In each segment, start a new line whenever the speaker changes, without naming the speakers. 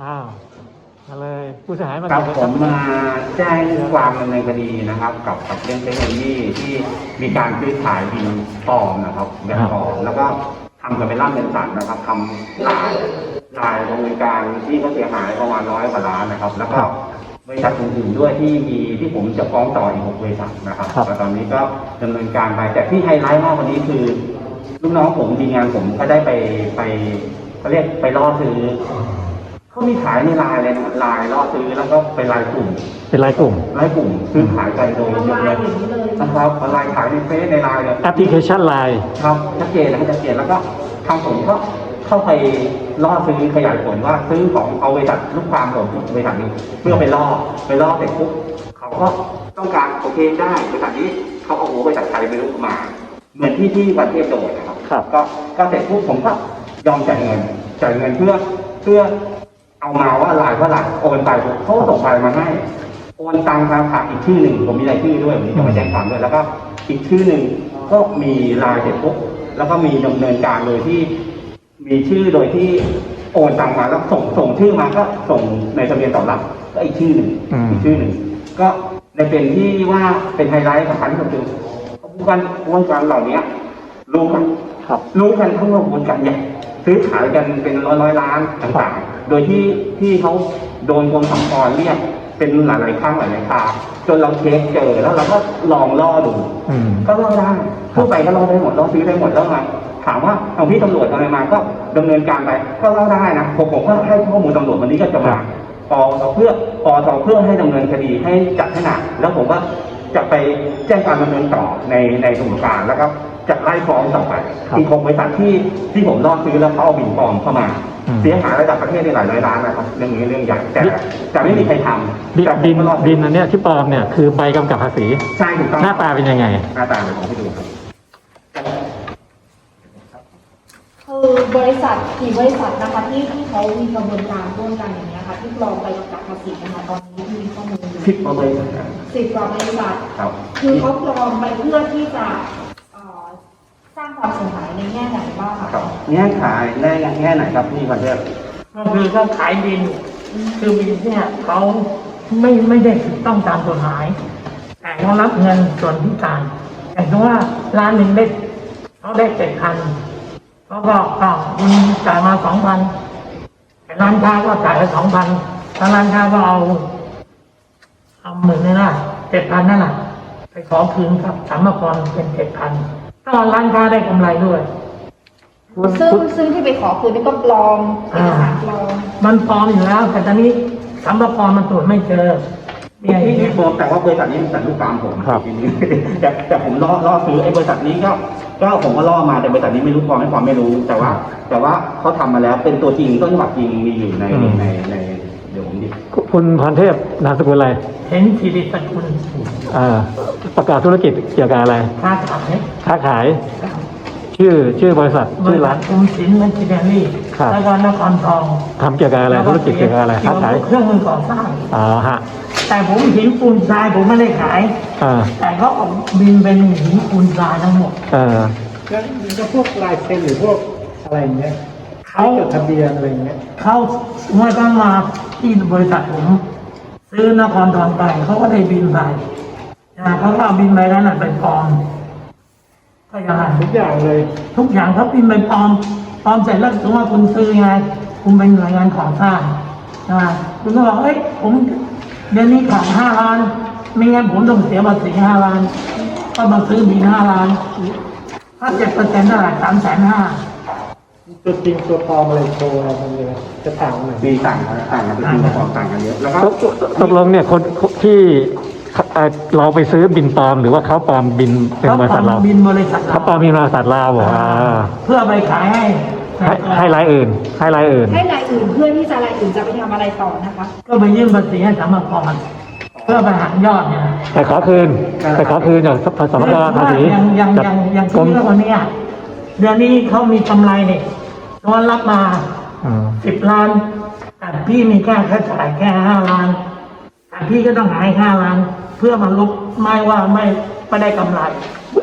อ้าวอะไรผู้เสียหายมา
ครับผมมาแจ้งความดำเนินคดีนะครับกับเรื่องเทคโนโลยีที่มีการซื้อขายบินปลอมนะครับแบบปลอมแล้วก็ทำกันเป็นร่ำเป็นสันนะครับทำลายดำเนินการที่เขาเสียหายประมาณ100 กว่าล้านนะครับแล้วก็บริษัทอื่นๆด้วยที่ผมจะฟ้องต่ออีก6 บริษัทนะครับแต่ตอนนี้ก็ดำเนินการไปแต่ที่ไฮไลท์มากกว่านี้คือลูกน้องผมทีมงานผมก็ได้ไปเขาเรียกไปล่อซื้อเขามีขายในไลน์เลยนะไลน์ล่อซื้อแล้วก็เป็นไลน์กลุ่ม
เป็นรายกลุ่ม
ซื้อขายกันโดยยกเลิกนะครับออนไลน์ขายในเฟซในไลน์เลย
แอปพลิเคชันไลน์
ครับชัดเจนแล้วก็ทางผมก็เข้าไปล่อซื้อขยายผลว่าซื้อของเอาบริษัทลูกความของบริษัทนี้เพื่อไปล่อเสร็จปุ๊บเขาก็ต้องการโอเคได้บริษัทนี้เขาเอาหัวบริษัทไทยไปลุกมาเหมือนที่วันเทพโดดนะครับก็เสร็จปุ๊บผมก็ยอมจ่ายเงินเพื่อเอามาว่าลายว่าหลักโอนไปเขาส่งไปมาให้โอนตังค์ทางผ่านอีกชื่อหนึ่งผมมีรายชื่อด้วยวันนี้จะมาแจ้งความด้วยแล้วก็อีกชื่อหนึ่งก็มีลายเสร็จปุ๊บแล้วก็มีดำเนินการโดยที่มีชื่อโดยที่โอนตังค์มาแล้วส่งชื่อมาก็ส่งในทะเบียนต่อรับก็อีกชื่อหนึ่งก็ในเป็นที่ว่าเป็นไฮไลท์สำคัญที่สุดคือวงการเหล่านี้รู้กันทั้งวงการใหญ่ซื้อขายกันเป็นร้อยล้านต่างๆโดยที่เขาโดนกรมสรรพากรเรียกเป็นหลายๆครั้งหลายๆคราจนเราเช็คเจอแล้วเราก็ลองล่อดูก็ล่อได้ทั่วไปก็ล่อได้หมดล่อซื้อได้หมดแล้วไงถามว่าเอาพี่ตำรวจอะไรมาก็ดำเนินการไปก็ล่อได้นะผมก็ให้ข้อมูลตำรวจวันนี้ก็จะมาปทเพื่อให้ดำเนินคดีให้จับให้หนักแล้วผมก็จะไปแจ้งการดำเนินต่อในกระบวนการแล้วก็จะไล่ฟ้องต่อไปอีก6 บริษัทที่ผมล่อซื้อแล้วเขาเอาบินปลอมเข้ามาเสียหายระดับประเทศในหลายร้อยล้านนะครับเรื่องนี้เรื่องใหญ่แต่ไม่มีใครทำ
บินอันเนี้ยที่ปลอมเนี่ยคือใบกำกับภาษี
ใช่ถูกต้อง
หน้าตาเป็นยังไง
หน้าตาเดี๋ยวผมให้ดูครับ
คือบริษัทกี่บริษัทนะคะที่เขามีกระบวนการร่วมกันอย่างนี้ค่ะที่ปลอมใบกำกับภาษีนะคะตอนนี้มีข้อมูลอยู่
10 กว่าบริษัท
10 กว่าบริษัทคือเขาปลอมไปเพื่อที่จะสร้างความเสียหายในแง่ไหนบ้างคะ
แง่ขายแง่ไหนครับพี่วันเทพ
ก็คือเขาขายบินคือบินเนี่ยเขาไม่ได้ถูกต้องตามกฎหมายแต่เขารับเงินส่วนพิการอย่างเช่นว่าร้านหนึ่งได้เขาได้7,000เขาก็คุณจ่ายมา 2,000แต่ร้านค้าก็จ่ายไป 2,000ถ้าร้านค้าก็เอา10,000นี่นะ 7,000นั่นแหละไปขอคืนกับสรรพากรเป็น 7,000ก็ร้านค้าได้กำไรด้วย
ซึ่งที่ไปขอคืนนี่ก็ปลอมเอกสารปลอม
มันปลอมอยู่แล้วแต่ตอนนี้สรรพากรมันตรวจไม่เจอ
ที่ปลอมแต่ว่าบริษัทนี้เป็นลูกความผมทีนี้แต่ผมล่อซื้อไอ้บริษัทนี้ก็ผมก็ล่อมาแต่บริษัทนี้ไม่รู้ปลอมไม่ปลอมไม่รู้แต่ว่าเขาทำมาแล้วเป็นตัวจริงต้นฉบับจริงมีอยู่ในเดี๋ยวผมดิ
คุณพรเทพนามสกุลอะไร
เห็นธีริสกุล
ประกอบธุรกิจเกี่ยวกับอะไรค้าขายชื่อบริษัทชื่อร้าน
กรุงศรีเมทิเนอรี่แล้วก็นครทอง
ทำเกี่ยวกับอะไรธุรกิจเกี่ยวกับอะไรค้าขาย
เครื่องมือก่อสร้าง
ฮะ
แต่ผมหินปูนทรายผมไม่ได้ขายแต่เขาออกบินเป็นหินปูนทรายทั้งหมด
ก็พวกลายเซ็นหรือพวกอะไรอย่างเงี้ยเขาจดทะเบียนอะไรอย่างเงี้ย
เขาเมื่อต้องมาที่บริษัทผมซื้อนครทองไปเขาก็ได้บินไปเขาก็เอาบินไปนั้นไปปลอมก็อย่างไร
ทุกอย่างเลย
ทุกอย่างเขาบินไปปลอมเสร็จแล้วสมมติว่าคุณซื้อไงคุณเป็นหน่วยงานก่อสร้างคุณก็บอกเอ้ยผมเดือนนี้ขาด5 ล้านไม่งั้นผมต้องเสียภาษี5 ล้านก็มาซื้อบิน5 ล้านถ้า7%เท่าไหร่350,000
ตัวจริงตัวปลอมอะไรโชว์อะไรตรงนี้จะต่างกัน
มีต่างกันเป็นจริงกับปลอมต่างกันเยอะแล้วก็
ตกลงเนี่ยคนที่เราไปซื้อบินปลอมหรือว่าเขาปลอมบินเป็นบริษัทเราเขาปลอมบินบริษัทเรา
เพื่อไปขาย
ให้รายอื่น
เพื่อที่จะรายอื่นจะไปทำอะไรต่อนะคะ
ก็ไปยื่นภาษีให้สรรพากรเพื่อไปหักยอดเนี่ย
แต่ขอคืนจากสรรพากรภาษี
อย่างที่คนนี้เดือนนี้เขามีกำไรเนี่ยตัวรับมา10 ล้านแต่พี่มีค่าจ่ายแค่5 ล้านแต่พี่ก็ต้องหาย5 ล้านเพื่อมาลบไม่ว่าไม่ได้กำไร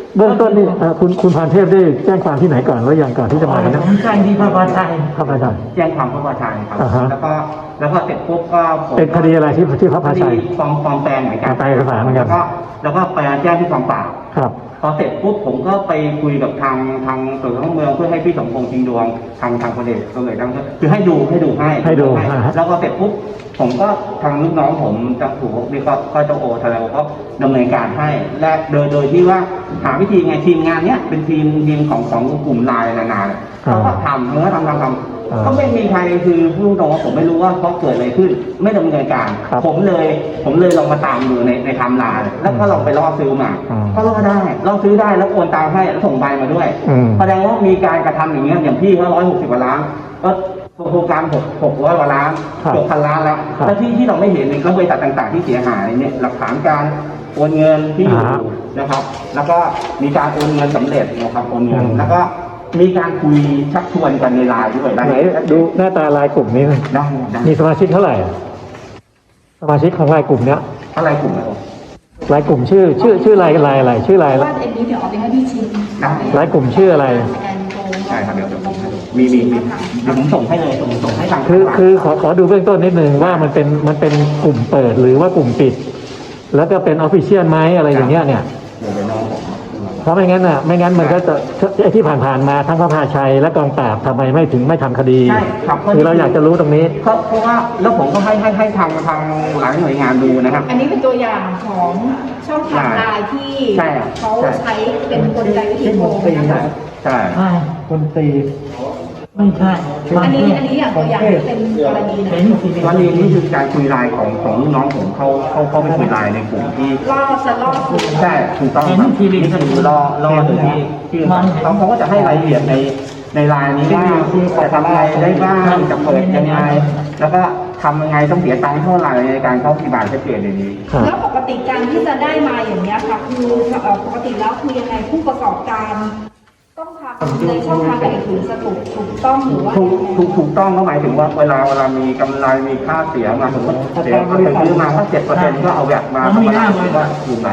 เบื้องต้นนี่คุณพรเทพได้แจ้งความที่ไหนก่อนหรือยังก่อนที่จะมาเนี่ย
ผมแจ้งที่พระบาชัย
พระพาชัย
แจ้งความพระประชัยครับ
อ่าฮะ
แล้วก็เสร็จปุ๊บก็ผม
เป็นคดีอะไรที่พระพาชัย
คดีปลอมแปลงเหมือนกัน
ปลอมแปลงเอกสารเหมือนกัน
แล้วก็ไปแจ้งที่กองปราบ
ครับ
พอเสร็จปุ๊บผมก็ไปคุยกับทางตำรวจท้องเมืองเพื่อให้พี่สมพงษ์ชิงดวงทางพลเอกคือให้ดูให้ แล้วก็เสร็จปุ๊บผมก็ทางลูกน้องผมจะถูกนี่ก็เจ้าโอทนายก็ดำเนินการให้และโดยที่ว่าหาวิธีไงทีมงานเนี้ยเป็นทีมของกลุ่มไลน์นานาเนี่ยเขาก็ทำก็ไม่มีใครคือพูดตรงว่าผมไม่รู้ว่าเขาเกิดอะไรขึ้น ไม่ดำเนินการ ผมเลยลองมาตามดูในไทม์ไลน์แล้วก็ลองไปล่อซื้อมาก็ล่อซื้อได้แล้วโอนตังค์ให้แล้วส่งใบมาด้วยแสดงว่ามีการกระทำอย่างเงี้ยอย่างพี่เขา160 กว่าล้านก็โครงการ600 กว่าล้านเกือบ1,000 ล้านแล้วแล้วที่เราไม่เห็นในบริษัทต่างๆที่เสียหายเนี่ยหลักฐานการโอนเงินที่อยู่นะครับ แล้วก็มีการโอนเงินสำเร็จนะครับโอนเงินแล้วก็มีการคุยชักชวนกันในไลน์ด้วย
ไหนดูหน้าตาลายกลุ่มนี้หน่อย
ได้
มีสมาชิกเท่าไหร่อะสมาชิกของลายกลุ่มเนี้ย
อะไรกลุ่มนะครับ
ลายกลุ่มชื่อลายอะไรชื่อลาย
ว่าเอ็นนี้เดี๋ยวเอาไปให้พี่ชิม
ลายกลุ่มชื่ออะไร
ใช่ครับเดี๋ยวมีเดี๋ยวผมส่งให้เลยส่งให้ทาง
คือขอดูเบื้องต้นนิดนึงว่ามันเป็นกลุ่มเปิดหรือว่ากลุ่มปิด แล้วก็เป็นออฟฟิเชียลไหมอะไรอย่างเงี้ยเนี่ย
เดี๋ยวไปน้องผม
เพราะไม่งั้นมันก็จะไอ้ที่ผ่านๆมาทั้งพระพาชัยและกองปราบทำไมไม่ทำคดี
ใช่ครับ
คือเราอยากจะรู้ตรงนี้
เพราะว่าแล้วผมก็ให้ทางหลายหน่วยงานดูนะครับ
อันนี้เป็นตัวอย่างของช่องทางไลน์ที่
ใช่ครับ
เขาใช้เป็นกลไกวิธีโกงนะคะ
ใช่
ใช่
คนตี
ไม่ใช่
อันนี้อย่างตัวอย่างเป็นกรณีไหน
เป็นที
ตอนนี้นี่คือการคุยไลน์ของลูกน้องผมเข้าไปคุยไลน์ในกลุ่มที่
ล่อซื้อ
ใช่ถูกต้องครับนี่คือรอโดยที่เขาก็จะให้รายละเอียดในไลน์นี้ว่าจะทำอะไรได้บ้างจะเปิดยังไง แล้วก็ทำยังไงต้องเสียตังค์เท่าไหร่ในการเข้าปฏิบัติชัดเจนในนี้
ครับ
แล้วปกติการที่จะได้มาอย่างนี้ยค่ะคือปกติแล้วคือยังไงผู้ประกอบการต้องทำในช่องทางการถือสถูกต้องหรือว่า
ถูกต้องก็หมายถึงว่าเวลามีกำไรมีค่าเสียมาสมมติเสียซื้อมาถ้า7%ก็เอาแบบมาก็คืนไป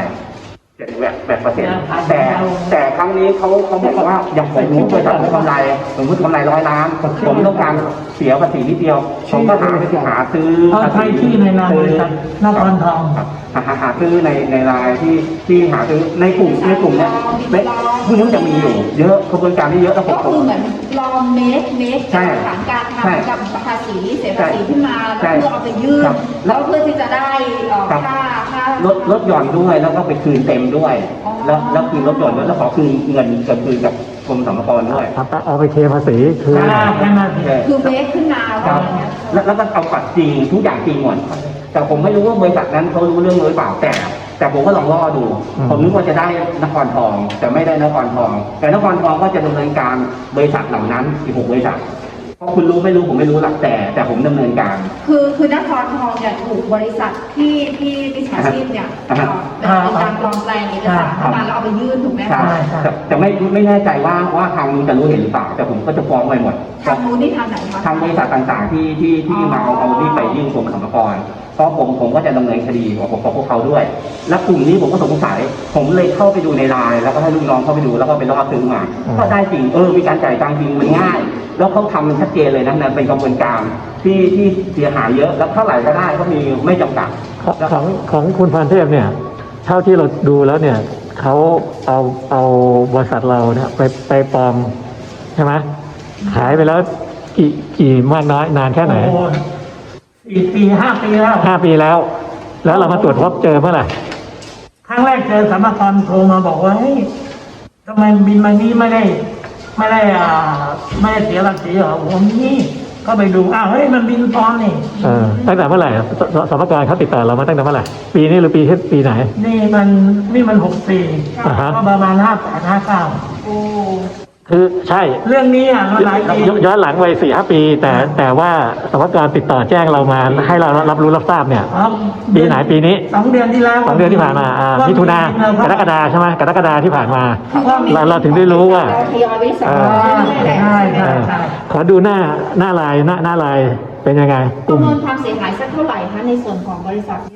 7%แต่ครั้งนี้เขาบอกว่าอย่างผมรู้บริษัทผมกำไรสมมติกำไร100 ล้านผมต้องการเสียภาษีนิดเดียวผมก็หาซื้อ
เขาใช้ชื่อในนามบริษัทนครทอง
หาซื้อในรายที่หาซื้อในกลุ่มเนี้ยพวกนี้มันจะมีอยู่เยอะกระบวนการที่เยอะแล้วผ
ก็
ม
คือเหมือนลองเมคฐานการทำกับภาษีเสียภาษีขึ้นมาแล้วเพื่อเอาไปยื่นแล้วเพื่อที่จะได้ค่า
ลดหย่อนด้วยแล้วก็ไปคืนเต็มด้วย แล้วคืนลดหย่อนด้วยแล้วขอคืนเงินคืนกับกรมสรรพากรด้วย
เอาไปเคภาษีคือ
แค่นั้น
คือเมคขึ้นมา
ค
ว่า
รับ
อย่างเงี้ย
แล้วก็เอาปัดจริงทุกอย่างจริงหมดแต่ผมไม่รู้ว่าบริษัทนั้นเขารู้เรื่องหรือเปล่าแต่ผมก็ลองล่อดู ผมนึกว่าจะได้นครทองแต่ไม่ได้นครทอง แต่นครทองก็จะดำเนินการบริษัทเหล่านั้นอีก6 บริษัทเพราะคุณรู้ไม่รู้ผมไม่รู้หลักแต่ผมดำเนินการ
คือนครทองเนี่ยถูกบริษัทที่วิชาชีพเนี่ยเป็นการปลอมแปลงเอกสารเข้ามาแล้วเอาไปยื่นถูกไหม
ใช่
คะ
แต่ไม่แน่ใจว่าทางนู้นจะรู้เห็นหรือเปล่าแต่ผมก็จะฟ้องไปหมด
ทางนู้นนี่ทางไหนคะ
ทางบริษัทต่างๆที่มาเอาที่ไปยื่นกรมสรรพากรเพราะผมก็จะดำเนินคดีกับพวกเขาด้วย และกลุ่มนี้ผมก็สงสัยผมเลยเข้าไปดูในไลน์แล้วก็ให้ลูกน้องเข้าไปดูแล้วก็ไปล่อซื้อมาก็ได้จริงมีการจ่ายตังค์จริงมันง่าย แล้วเขาทำมันชัดเจนเลยนะนั่นเป็นกระบวนการที่เสียหายเยอะแล้วเท่าไหร่ก็ได้ก็มีไม่จำกัด
ของคุณพรเทพเนี่ยเท่าที่เราดูแล้วเนี่ยเขาเอาบริษัทเราเนี่ยไปปลอมใช่ไหมขายไปแล้วกี่มากน้อยนานแค่ไหน
4 ปี 5 ปีแล้ว
5 ปีแล้ว แล้วเรามาตรวจพบเจอเมื่อไหร่
ครั้งแรกเจอสรรพากรโทรมาบอกว่าเฮ้ยทำไมบินมานี้ไม่ได้เสียภาษีเหรอผมนี่ก็ไปดูเฮ้ยมันบินปลอมนี่
ตั้งแต่เมื่อไหร่สรรพากรเขาติดต่อเรามาตั้งแต่เมื่อไหร่ปีนี้หรือปีไหน
นี่มัน64
อ่าฮะ
ก็ประมาณ58 59
โอ้
คือใช่
เรื่องนี้มันหลายปี
ย้อนหลังไป4-5 ปีแต่ว่าสรรพากรติดต่อแจ้งเรามาให้เรารับรู้รับทราบเนี่ย
ครับ
ปีไหนปีนี้
2 เดือนที่แล้ว
2 เดือนที่ผ่านมามิถุนากรกฎาใช่ไหมกรกฎาที่ผ่านมาเราถึงได้รู้ว่า
เราทยอยวิสาแหละ
ใช่ใช่ใช่
ขอดูหน้าลายเป็นยังไง
ประเมินความเสียหายสักเท่าไหร่คะในส่วนของบริษัทเนี่ยค่ะ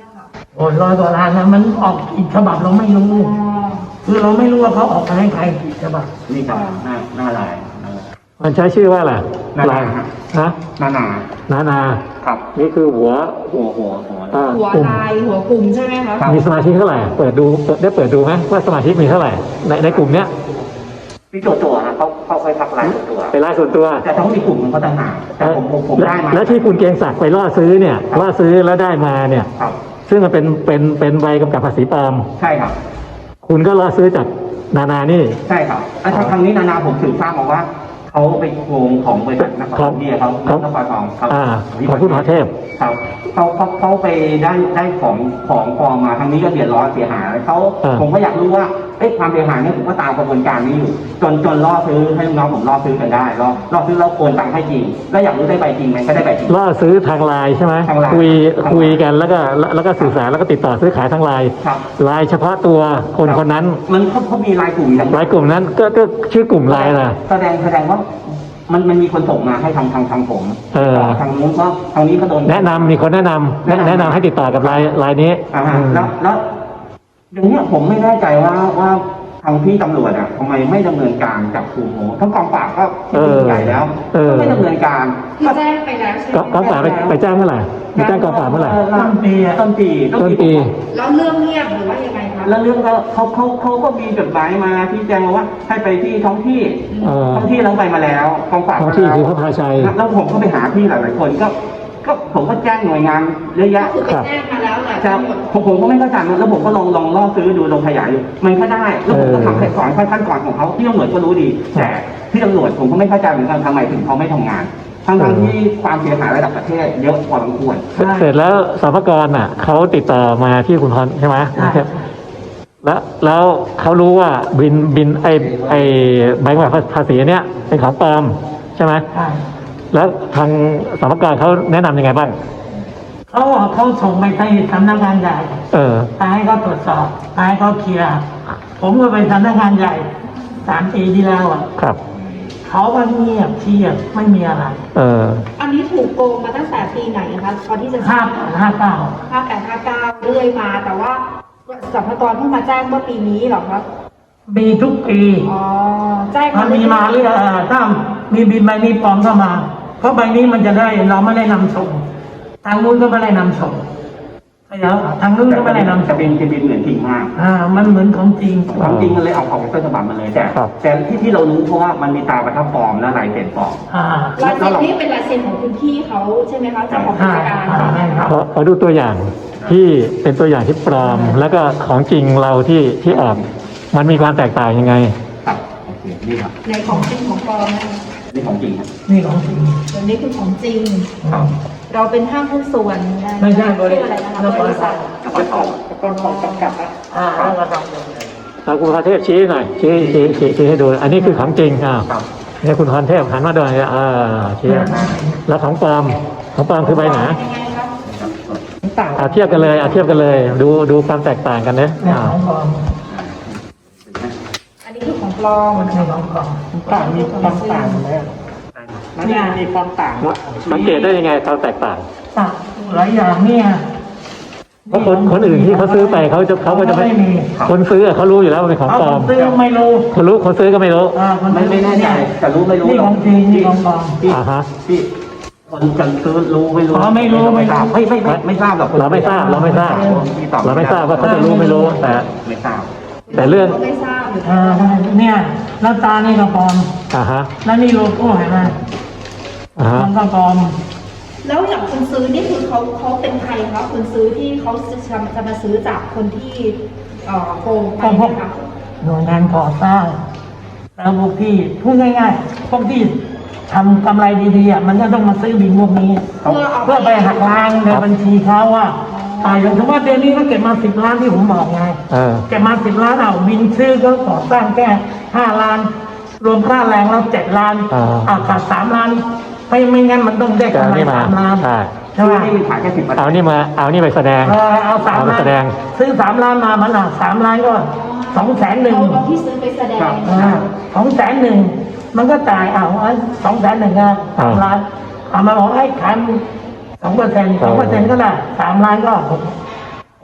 โอ้100 กว่าล้านนะมันออกอีกฉบับเราไม่รู้
อ๋อ
คือเราไม่รู้ว่าเขาออกมาให้ใครกี่ฉบับ
นี่ครับหน้าลาย
มันใช้ชื่อว่าอะไร
นานา
ลายฮะ
นานา
นา
ครับ
นี่คือหัว
หัว
อ่า
หัว
กลุ่ม
ลายหัวกลุ่มใช่ไหมคะ
ครับ
มีสมาชิกเท่าไหร่เปิดดูได้เปิดดูไหมว่าสมาชิกมีเท่าไหร่ในกลุ่มเนี้ย
ที่ตัวนะเขาเคยทักไลน์ตัว
เป็นรายส่วนตัว
แต่ต้องมีกลุ่มมันก็ต่างหากแต่ผมได้มา
แล้วที่คุณเกรียงศักดิ์ไปล่อซื้อเนี่ยล่อซื้อแล้วได้มาเนี่ย
ครับ
ซึ่งมันเป็นใบกำกับภาษีปลอม
ใช่ครับ
คุณก็ล่อซื้อจากนานี่
ใช่ครับแล้วทางนี้นานาผมสืบทราบมาว่าเขาไปโกงของบริษัทนครเบียร์เขานครทองครับ
ของคุณหมอเทพ
ครับเขาไปได้ของปลอมมาทางนี้ก็เดือดร้อนเสียหายเขา
อ่า
ผมก็อยากรู้ว่าความเสียหายเนี่ยผมก็ตามกระบวนการนี้อยู่จนล่อซื้อให้ลูกน้องผมล่อซื้อกันได้ล่อซื้อแล้วโอนตังค์ให้จริงแล้วอยากรู้ได้ใบจริงไหมก็ได้ใบจริง
ล่อซื้อทางไลน์ใช่ไหม
ทางไลน์
คุยกันแล้วก็สื่อสารแล้วก็ติดต่อซื้อขายทางไลน์
ครับ
ไลน์เฉพาะตัวคนนั้น
มันเขามีรายกลุ่มอย่าง
ไลน์กลุ่มนั้นก็ชื่อกลุ่มไลน์นะ
แสดงว่ามันมีคนส่งมาให้ทางผม
เออ
ทางนู้นก็ทางนี้ก็โดน
แนะนำมีคนแนะนำให้ติดต่อกับไลน์นี้
อ่าฮะแล้วอย่างเนี้ยผมไม่แน่ใจว่าทางพี่ตำรวจอ่ะทำไมไม่ดำเนินการจับกลุ่มโหทั้งกองปราบก็ที่ใหญ่แล้วก็ไม่ดำเนินการ
ที่แจ้งไปแล้วใช่ไหม
กองปราบไปแจ้งเมื่อไหร่ไปแจ้งกองปราบเมื่อไหร่
ต้นปี
ต้นปี
แล้วเรื่องเงียบหรือว่ายังไงคะ
แล้วเรื่องก็เขาก็มีจดหมายมาที่แจ้งมาว่าให้ไปที่ท้องที่ ท้องที่เราไปมาแล้วกองปราบ
ท้องที่คือพระพาชัย
แล้วผมก็ไปหาที่หลายๆคนก็ผมก็แจ้งหน่วยงานเยอะแยะ
ก็คือไปแจ้งมาแล้วแหละ
ครั
ทั้
บ
งหมด
ผมก็ไม่เข้าใจแล้วผมก็ลองล่อซื้อดูลองขยายดูมันก็ได้แล้วผมก็ทำขั้นก่อนของเขาที่ตำรวจก็รู้ดีแต่ที่ตำรวจผมก็ไม่เข้าใจเหมือนกันทำไมถึงเขาไม่ทำงานทั้งที่ความเสียหายระดับประเทศเยอะพอสมควร
เสร็จแล้วสรรพากรอ่ะเขาติดต่อมาที่คุณพรใช่ไหมแล้วเขารู้ว่าบินไอใบกำกับภาษีเนี้ยเป็นของปลอมใช่ไหม
ใช่
แล้วทางสรรพากรเขาแนะนำยังไงบ้าง
เขาส่งไปที่สำนักงานใหญ่ ไปให้เขาตรวจสอบไปให้เขาเคลียร์ผมก็ไปสำนักงานใหญ่3 ปีที่แล้วอ่ะ
ครับ
เขาก็เงียบเชียบไม่มีอะไร
อันนี้ถูกโกงมาตั้งแต่ปีไหนคะตอนที่จะ
58
58 59เรื่อยมา แต่ว่าสรรพากรเพิ่งมาแจ้งเมื่อปีนี้เหรอคะ
มีทุกปี
อ๋อแจ้ง
มันมีมาเรื่อยถ้ามีบินใบนี้ปลอมเข้ามา เพราะใบนี้มันจะได้เราไม่ได้นำส่ง ทางนู้นก็ไม่ได้นำส่งแล้วทางนู้นก็ไม่ได้นำ
จะ
ส่ง
เป็นเหมือนจริงมาก
มันเหมือนของจริง
ความจริงมันเลยเอาของต้นฉบับมาเลยแต่ที่เรารู้เพราะว่ามันมีตาประทับปลอมและลายเซ็นปลอม
ลายเซ็นนี่เป็นลายเซ็นของคุณพี่เขาใช่ไหมคะเจ้าของกิจการ
ขอดูตัวอย่างที่เป็นตัวอย่างที่ปลอม แล้วก็ของจริงเราที่ออกมันมีความแตกต่างยังไง
ครับโอเคนี่ครับ
ในของจริงของปลอมนะคะ
นี่ของจริงครับ
นี่ของจริง
เดี๋ยวนี้คือของจริง
ครับ
เราเป็นห้างหุ้นส่วนนะ
ไม่ใช่บริ
ชื่อ
ษั
อะไร
ท
นะคะ
แล้ว
บริษัท
แล้วก็ทอง
กรของจำกัดอะ
แล้วก็ทำเลย
คุณพรเทพชี้หน่อยชี้ให้ดู อันนี้คือของจริงเนี่ยคุณพรเทพหันมาดูชี้แล้วของปลอมคือใบไหน
ยังไงคะ
เทียบกันเลยดูความแตกต่างกันนะ
เนี่ยของปลอม
อันนี้คือของปลอม
นี่ของปลอม
มีความต่างไหมมันมีความต่าง
สังเกตได้ยังไงความแตกต่าง
ต่างหลายอย่างเนี่ย
เพราะคนอื่นที่เขาซื้อไปเขาก็จะไม่
ไม่มี
คนซื้อเขารู้อยู่แล้วว่าเป็นของปลอม
ซื้อไม่รู้
คนซื้อก็ไม่รู้
ไม่แน่ใจแต่รู้ไม่รู้
นี่ของจริงนี่ของปลอม
ที่คนจะซื้อรู้ไม่รู้
ไม่ทราบ
ไม่ทราบหรอก
เราไม่ทราบว่าเขาจะรู้ไม่รู้แต่
ไม่ทราบ
แต่เรื่อง
ก็ไม่ทราบหรือ
เนี่ยแล้วตานี่ก็ปลอม แล้วนี่โลโก้เห็นไหมมันก็ปลอม
แล้วอย่างคนซื้อนี่คือเขาเป็นใครคะคนซื้อที่เขาจะมาซื้อจากคนที่โกงไปนะคะ
หน่วยงานก่อสร้างแล้วพวกที่พูดง่ายๆพวกที่ทำกำไรดีๆมันก็ต้องมาซื้อบินพวกนี้เพื่อไปหักล้างในบัญชีเขาว่าอย่างสมมติว่าเดือนนี้เขาเก็บมา10 ล้านที่ผมบอกไงเก็บมา10 ล้านบินซื้อเขาก่อสร้างแค่5 ล้าน รวมค่าแรงแล้ว7 ล้านขาด3 ล้านไม่งั้นมันต้องได้กำไร3 ล้านใช่ไหม
นี่มันขายแค่10%
เอานี่ไปแสดง
เอา3 ล้านซื้อ3 ล้านมามัน3 ล้านก็200,000
เอาที่ซื้อไปแสดง
200,000มันก็จ่าย200,000ก็3 ล้านมาบอกให้ขาย2% ก็ได้3 ล้านก็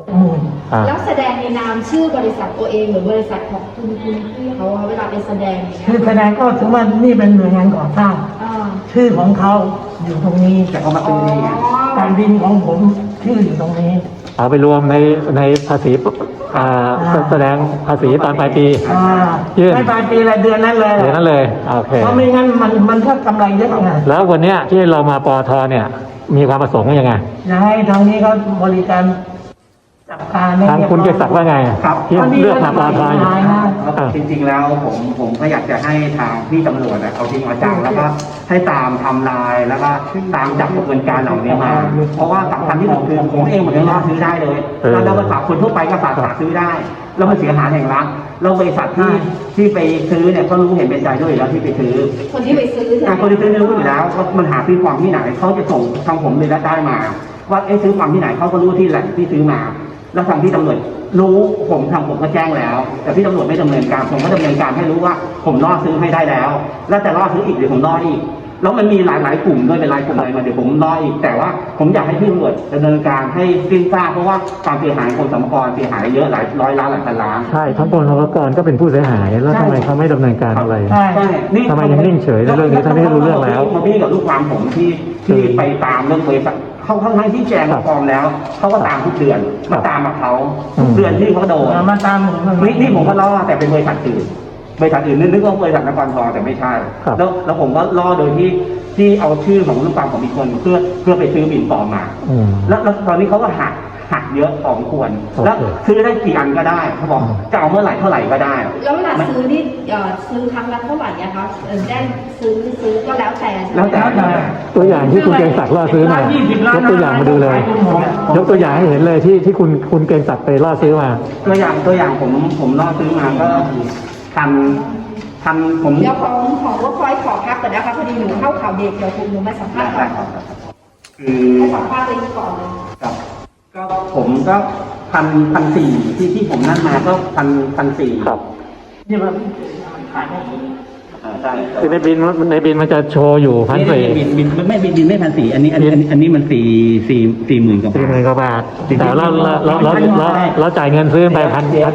อ่า
แล้วแสดงในนามชื่อบริษัทตัวเองหรือบริษัทของคุณพี่เขาอะเวลาไปแสดงอย่างเงี้ย
คือแสดงก็ถือว่านี่เป็นหน่วยงานก่อสร้าง
อ่า
ชื่อของเขาอยู่ตรงนี้
แต่เขามาซื้อนี่ไง
การบินของผมชื่ออยู่ตรงนี้
เอาไปรวมในภาษีอ่าแสดงภาษีตอนปลายปี ยื่น
ไม่ปลายปีอะไรเดือนนั้นเลย
เดี๋ยวนั้นเลยโอเค
เพราะไม่งั้นมันก็กำไรเยอะไง
แล้ววันเนี้ยที่เรามาปอทเนี่ย มีความประสงค์ว่ายังไง
อยากให้ทางนี้เขาบริการจัดการให้
ทางคุณเกษศักดิ์ว่าไง
ครับ
ที่เลือกมาปอทอยู่
จริงๆแล้วผมก็อยากจะให้ทางพี่ตำรวจเอาจริงเอาจังแล้วก็ให้ตามทำลายแล้วก็ตามจับกระบวนการเหล่านี้มา เพราะว่าสำคัญที่สุดคือผมเองผมยังรอดซื้อได้เลยเราไปฝากคนทั่วไปก็ฝากซื้อได้แล้วมันเสียหายแห่งรัฐแล้วบริษัทที่ไปซื้อเนี่ยก็รู้เห็นเป็นใจด้วยแล้วที่ไปซื้อ
คนที่ไปซื้อใช่ไหม
คนที่ซื้อรู้อยู่แล้วว่ามันหาซื้อความที่ไหนเขาจะส่งทางผมเลยได้มา ว่าซื้อความที่ไหนเขาก็รู้ที่แหล่งที่ซื้อมา แล้วทางที่ตำรวจรู้ผมก็แจ้งแล้ว แต่ที่ตำรวจไม่ดำเนินการผมก็ดำเนินการให้รู้ว่าผมล่อซื้อให้ได้แล้ว แล้วจะล่อซื้ออีกเดี๋ยวผมล่ออีกแล้วมันมีหลายกลุ่มด้วยเป็นรายกลุ่มอะไรมาเดี๋ยวผมล่ออีกแต่ว่าผมอยากให้พี่ตำรวจดำเนินการให้สิ้นซากเพราะว่าความเสียหายของสรรพากรเสียหายเยอะหลายร้อยล้านหลายพันล้าน
ใช่ทั้งกรมสรรพากรก็เป็นผู้เสียหายแล้วทำไมเขาไม่ดำเนินการอะไร
ใช่
ใช่
ทำไมยังนิ่งเฉยในเรื่องนี้ทั้งที่รู้เรื่องแล้ว
มาพี่กับลูกความผมที่ไปตามเรื่องบริษัทเขาทั้งที่แจ้งฟอร์มแล้วเขาก็ตามทุกเดือนมาตามกับเขาทุกเดือนที่เขาโดน
มาตามผม
นี่ผมก็ล่อแต่เป็นบริษัทอื่นนึกว่าบริษัทนครทองแต่ไม่ใช่
ครับ
แล้วผมก็ล่อโดยที่เอาชื่อของลูกความของอีกคนเพื่อไปซื้อบินปลอมมา
อืม
แล้วตอนนี้เขาก็หักเยอะพอสมควร
โอเค
แล้วซื้อได้กี่อันก็ได้เขาบอกจะเอาเมื่อไหร่เท่าไหร่ก็ได้
แล้วเวลาซื้อนี่ซื้อครั้งละเท่าไหร่อะคะได้ซื้อก็แล้วแต่ใช่ไหม
แล้วแต่
ตัวอย่างที่คุณเกรียงศักดิ์ล่อซื้อมายกตัวอย่างมาดูเลย ยกตัวอย่างให้เห็นเลยที่คุณเกรียงศักดิ์ไปล่อซื้อมา
ตัวอย่างผมล่อซื้อมาก็ทันผม
เดี๋ยวของว่าคอยขอพักก่อนนะคะพอดีหนูเข้าข่าวเด็กเดี๋ยวหนูมาสัมภาษณ์ก่อน
คือ
ให้สัมภาษณ์เลยก่อนเลย
ครับก็ผมก็พันสี่ที่ผมนั่นมาก็พันสี่
ครับ
นี่มันขายได้
ใช่
คือในบินมันจะโชว์อยู่1,400
บินไม่พันสี่อันนี้มันสี่หมื่นกว่าบาท
40,000 กว่าบาทแต่เราจ่ายเงินซื้อไป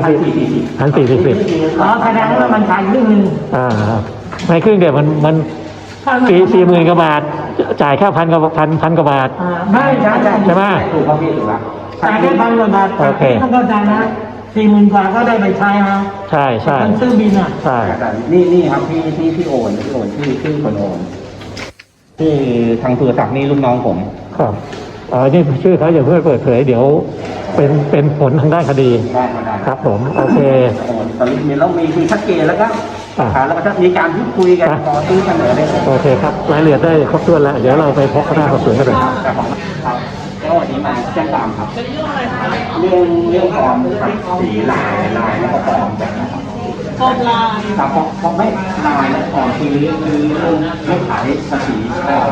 1,440
อ๋อแสดงว่ามันขายครึ่งหนึง
ในครึ่งเดียวมัน40,000 กว่าบาท จ่ายแค่พันกว่าบาท
ไม่ใช่
ใช่ไหม
ถูกครับพี่ถูกแล้ว
จ่ายแค่1,000 กว่าบาท
โอเค
ต้องเข้าใจนะ40,000 กว่าก็ได้ไปใช้นะ
ใช่ใช่
คนซื้อบินอ่ะ
ใช่
นี่ครับที่โอนชื่อคนโอนที่ทางสุรศักดิ์นี่ลูกน้องผม
ครับนี่ชื่อเขาอย่าเพิ่งเปิดเผยเดี๋ยวเป็นผลทางด้านคดี
ได้
ครับผมโอเค
โอนตอนนี้เรามีชัดเจนแล้วก็
อ่า
แล้วก็จะมีการพูดคุยกันขอซื้อเสนอได้เลย
โอเคครับรายละเอียดได้ครบถ้วนแล้ว เดี๋ยวเราไปพบคณะสอบสวนกันเลย
แต่ของครับแล้ววันนี้มาแจ้งความครับเรื่องปลอมสีลายแล้วก็ปลอมแบบนะครับ
ปลอมลาย
ครับเพราะไม่ลายและปลอมคือเรื่องขายภาษีปลอม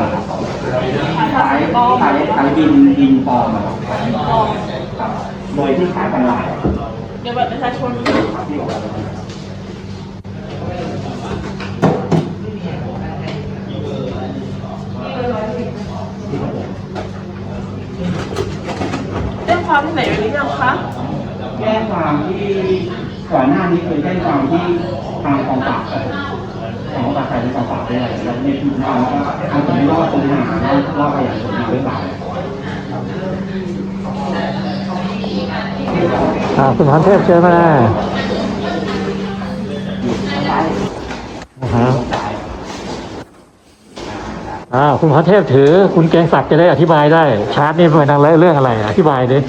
ขายบินปลอมครับโดยที่ขายทางไลน์
เดี๋ยวบัตรประชาชน
แจ้งความที่ไหนไว้หรือยังคะ
แจ้งความที่ก่อนหน้านี้เคยแจ้งความที่ทางกองปราบครับของกองปราบไทยในกองปราบด้วยแล้วในทุกครั้งก็ทางผมไม่รอดปัญหารอดไปอย่างคนหรือเปล่า
คุณพรเทพเชิญมาคุณพรเทพถือคุณเกรียงศักดิ์จะได้อธิบายได้ ชาร์ตนี่เป็นเรื่องอะไรอธิบายดิ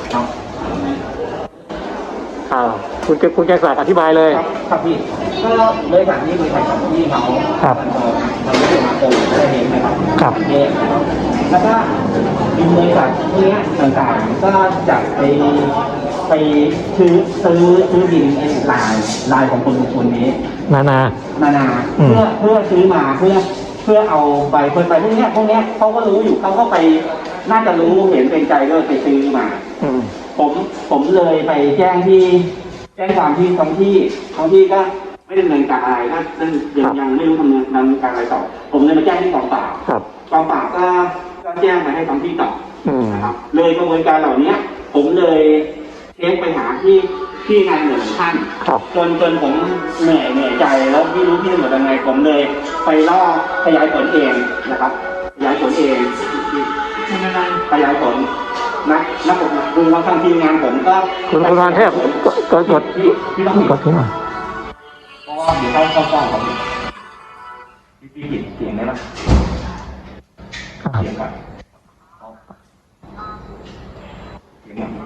คุณเกรียงศักดิ์อธิบายเลย
ครับพี่ก็บริษัทนี้บริษัทของพี่เขา
ครับ
มันไม่ได้มาโกงไม่ได้เองนะครับ
ครับ
เองนะครับแล้วก็มีบริษัทพวกนี้ต่างๆก็จะไปซื้อบินลายของคนนี้
นา อืม
เพื่อซื้อมาเพื่อเอาใบพวกเนี้ยเขาก็รู้อยู่เขาก็ไปน่าจะรู้เห็นเป็นใจด้วยไปซื้อมา
อืม
ผมเลยไปแจ้งความที่ท้องที่ก็ไม่ดำเนินการอะไรก็ยังไม่รู้ดำเนินการอะไรต่อผมเลยมาแจ้งที่กองปราบ
ครับ
กองปราบก็แจ้งไปให้ท้องที่ต่อ
อืม
นะครับเลยกระบวนการเหล่านี้ผมเลยเช็คไปหาที่นายหน่วยท่าน
ครับ
จนผมเหนื่อยใจแล้วไม่รู้พี่ตำรวจยังไงผมเลยไปล่อขยายผลเองนะครับขยายผลเองขยายผลนักกฎหมายคือว่าทางทีมงานผมก็
คุณพรเทพกด
ที่ต้อง
กดทิ้งอ่ะ
เพราะว่าเดี๋ยวเข้ากล้องผมพี่ผิดเสียงได้ไหม
ครับ
เสียงก่อนเสียงก่อน